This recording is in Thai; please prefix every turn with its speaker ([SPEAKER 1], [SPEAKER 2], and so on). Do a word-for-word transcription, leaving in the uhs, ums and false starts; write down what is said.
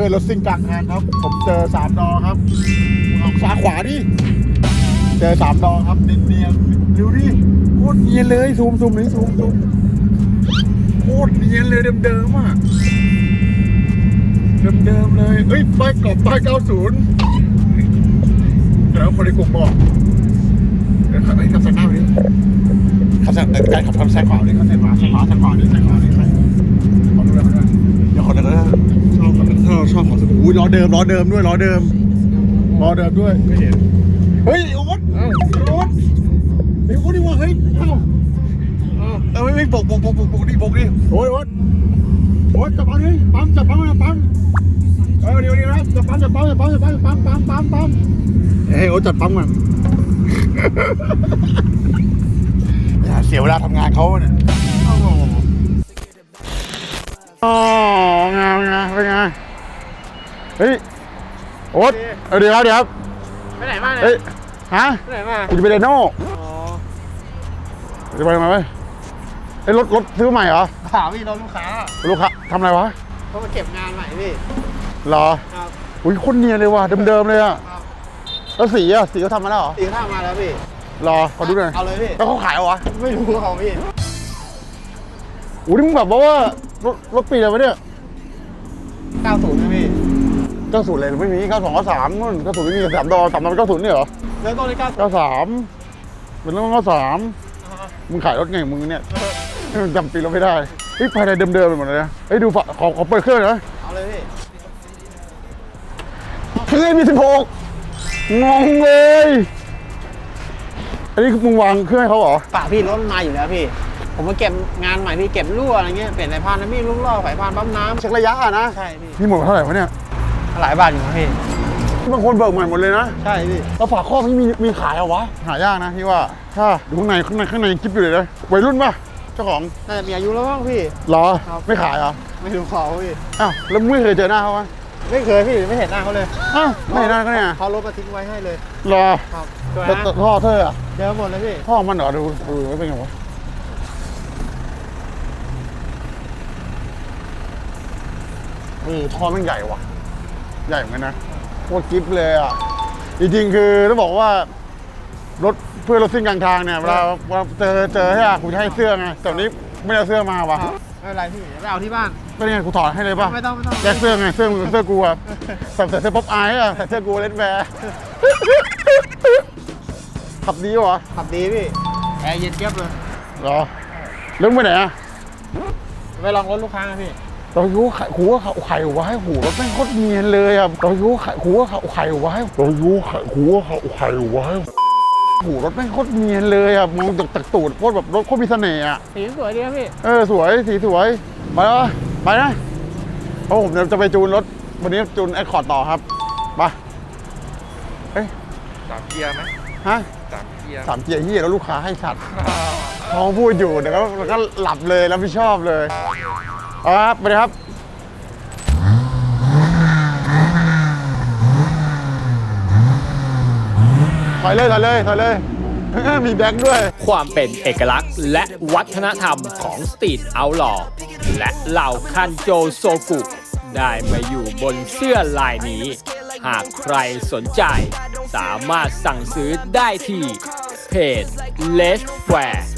[SPEAKER 1] อนรถซิ่งกลางทางครับผมเจอสามดอครับออกซ้ายขวาดิเจอสามดอครับเนียนๆดูดิโคตรเนียนเลยซูมซูมนี่ซูมซูมโคตรเนียนเลยเดิมๆอ่ะเดิมๆเลยเอ้ยป้ายกรอบป้ายเก้าสิบแล้วคนในกลุ่มบอกเดี๋ยวขับไปขับแซงหน้าไปดิขับแซงการขับทำแซงขวาดิขับแซงขวาแซงขวาแซงขวาดิแซงขวาดิขอดูเลยขอดูเลยเดี๋ยวขอดูเลยชอบแบบถ้าเราชอบของสกู๊ล้อเดิมล้อเดิมด้วยล้อเดิมล้อเดิมด้วยไม่เห็นเฮ้ยโอ๊ตโอ๊ตไอ้โอ๊ตนี่ว่าเฮ้ยเอ้าเออไม่ไม่ปกปกปกปกปกดิปกดิโอ๊ยโอ๊ตโอ๊ตจับปั๊มดิปั๊มจับปั๊มนะปั๊มเออเดี๋ยวเดี๋ยวนะจับปั๊มจับปั๊มจับปั๊มจับปั๊มปั๊มปั๊มปั๊มปั๊มเฮ้ยโอ๊ตจัดปั๊มก่อนอย่าเสียเวลาทำงานเขาเนี่ยอ๋องามงามเป็นไงเฮ้ยโอ๊ตเออเดี๋ยวเดี๋ยว
[SPEAKER 2] ไปไหนมาเนี่ย
[SPEAKER 1] เฮ้ยฮะ
[SPEAKER 2] ไปไหนมา
[SPEAKER 1] กูจะไปเดโน่จะไปทำไมวะไอ้รถรถซื้อใหม่เหรอ
[SPEAKER 2] เปล่าพี่รถลูกค้า
[SPEAKER 1] ลูกค้าทำอะไรวะ
[SPEAKER 2] เขามาเก็บงานใหม่พี่
[SPEAKER 1] เหรอครับอุ้ยคนเนียนเลยว่ะเดิมๆเลยอะแล้วสีอะสีเขาทำมาแล้วเหรอ
[SPEAKER 2] สีเขาทำมาแล้วพี่
[SPEAKER 1] รอขอดูหน่อย
[SPEAKER 2] เอาเลยพี่
[SPEAKER 1] แล้วเขาขายเหรอวะ
[SPEAKER 2] ไม่รู้เขาพี่
[SPEAKER 1] อุ้ยมึงแบบว่ารถรถปีอะไรวะเนี่ย
[SPEAKER 2] เก้าสิบนะพี่
[SPEAKER 1] เก้าสิบเลยไม่มีเก้าสองเก้าสามนู่นเก้าสิบไม่มีสามดอสามดอเก้าสิบนี่เหรอ
[SPEAKER 2] เริ่มต้นที่เก้า
[SPEAKER 1] เก้าสามเป็นเรื่องเก้าสามมึงขายรถไงมึงเนี่ยจำปีเราไม่ได้เฮ้ยภายในเดิมๆไปหมดเลยนะเฮ้ยดูฝาขอขอเปิดเครื่องนะ
[SPEAKER 2] เอาเลยพี่
[SPEAKER 1] เครื่องมีสิบหกงงเลยอันนี้มึงวางเครื่องให้เขาเหรอ
[SPEAKER 2] ป่าพี่รถมาอยู่แล้วพี่ผมมาเก็บงานใหม่พี่เก็บรั่วอะไรเงี้ยเปลี่ยนสายพานนะพี่รุ่งล่อสายพานปั๊มน้ำ
[SPEAKER 1] เช็คระยะอ่ะนะ
[SPEAKER 2] ใช่พี่
[SPEAKER 1] นี่หมดเท่าไหร่วะเนี่ย
[SPEAKER 2] หลายบาทอยู่นะพี่
[SPEAKER 1] บางคนเบิกใหม่หมดเลยนะ
[SPEAKER 2] ใช่พี่
[SPEAKER 1] แล้วฝาครอบนี่มีมีขายเหรอวะหายากนะพี่ว่าถ้าดูข้างในข้างในข้างในกิ๊บอยู่เลยนะวัยรุ่นป่ะเจ้าของ
[SPEAKER 2] น่าจะมีอายุแล้วมั้งพี่
[SPEAKER 1] หรอไม่ขายเหรอ
[SPEAKER 2] ไม่รู้เขาพี่
[SPEAKER 1] อ้าวแล้วไม่เคยเจอหน้าเขาไหม
[SPEAKER 2] ไม่เคยพี่ไม่เห็นหน้าเขาเลย
[SPEAKER 1] อ้าวไม่เห็นหน้าเขาเนี่ย
[SPEAKER 2] เขารถมาทิ้งไว้ให้เลย
[SPEAKER 1] หรอ
[SPEAKER 2] ครับ
[SPEAKER 1] แต่ท่อเธออะ
[SPEAKER 2] เดี๋ยวหมดเลยพี่
[SPEAKER 1] ท่อมันเหรอดูดูไม่เป็นไงวะเออท่อมันใหญ่ว่ะใหญ่เหมือนกันนะโคตรกิ๊บเลยอ่ะจริงๆคือต้องบอกว่ารถเพื่อรถซิ่งกลางทางเนี่ยเวลาเจอเจอให้อ่ะกูจะให้เสื้อไงแต่นี้ไม่ได้เสื้อมาวะ
[SPEAKER 2] ไม่เป็นไรพี่ไปเอาที่บ้าน
[SPEAKER 1] ก็ยังไงกูถอดให้เลยป่ะ
[SPEAKER 2] ไม่ต้องไม่ต้อง
[SPEAKER 1] แยกเสื้อไงเสื้อเสื้อกูอ่ะใส่ใส่เสื้อป๊อปอายอ่ะใส่เสื้อกูเล่นแบร์ขับดีวะ
[SPEAKER 2] ขับดีพี่แอร์เย็นเจี๊ยบเลย
[SPEAKER 1] เหรอเรื่องไปไหนอ่ะ
[SPEAKER 2] ไปลองรถลูกค้าพี่
[SPEAKER 1] ตอนยูไข่หูว่าเขาไข่ไว้หูรถแม่งโคตรเนียนเลยอ่ะตอนยูไข่หูว่าเขาไข่ไว้ตอนยูไข่หูว่าเขาไข่ไว้หูรถแม่งโคตรเนียนเลยอ่ะมองจากตักตูดโคตรแบบรถโคตรมีเสน่ห์อ่ะ
[SPEAKER 2] สีสวยดีครับพี่
[SPEAKER 1] เออสวยสีสวยไปแล้วไปนะเพราะผมจะไปจูนรถวันนี้จูนไอคอร์ดต่อครับไปเฮ้ย
[SPEAKER 3] สามเกียร์ไหม
[SPEAKER 1] ฮะ
[SPEAKER 3] สามเกียร์
[SPEAKER 1] สามเกียร์เฮียแล้วลูกค้าให้ชัดท้องพูดอยู่เดี๋ยวก็หลับเลยแล้วไม่ชอบเลยเอาครับไปเลยครับถอยเลยถอยเลยถอยเลยมีแบ็คด้วย
[SPEAKER 4] ความเป็นเอกลักษณ์และวัฒนธรรมของสตรีทเอาท์ลอว์และเหล่าคันโจโซกุได้มาอยู่บนเสื้อลายนี้หากใครสนใจสามารถสั่งซื้อได้ที่เพจ Let's Wear